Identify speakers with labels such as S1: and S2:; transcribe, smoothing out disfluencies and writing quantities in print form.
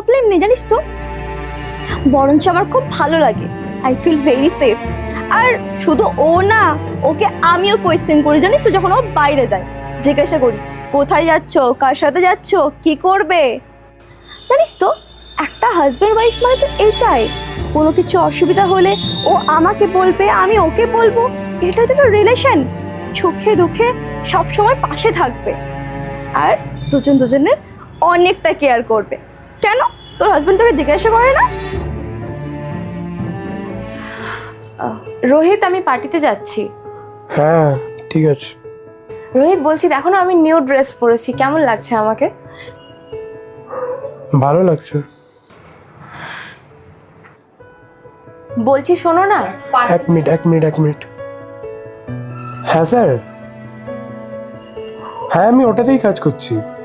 S1: Problem নেই জানিস তো, বরঞ্চ আমার খুব ভালো লাগে। I feel very safe. আর শুধু ও না, ওকে আমিও কোয়েশ্চেন করি জানিস তো, যখন ও বাইরে যায় জিজ্ঞাসা করি কোথায় যাচ্ছ, কার সাথে যাচ্ছ, কি করবে। জানিস তো, একটা হাজব্যান্ড ওয়াইফ মানে তো এটাই, কোনো কিছু অসুবিধা হলে ও আমাকে বলবে, আমি ওকে বলবো। এটাই তো একটা রিলেশন, সুখে দুঃখে সবসময় পাশে থাকবে, আর দুজন দুজনের অনেকটা কেয়ার করবে। কেন তোর হাজব্যান্ড তোকে জিজ্ঞাসা করে না?
S2: রোহিত, আমি পার্টিতে যাচ্ছি।
S3: হ্যাঁ ঠিক আছে।
S2: রোহিত বলছি, দেখো না আমি নিউ ড্রেস পরেছি, কেমন লাগছে আমাকে?
S3: ভালো লাগছে।
S2: বলছি শোনো না।
S3: এক মিনিট। হ্যাঁ স্যার, হ্যাঁ আমি ওটাতেই কাজ করছি।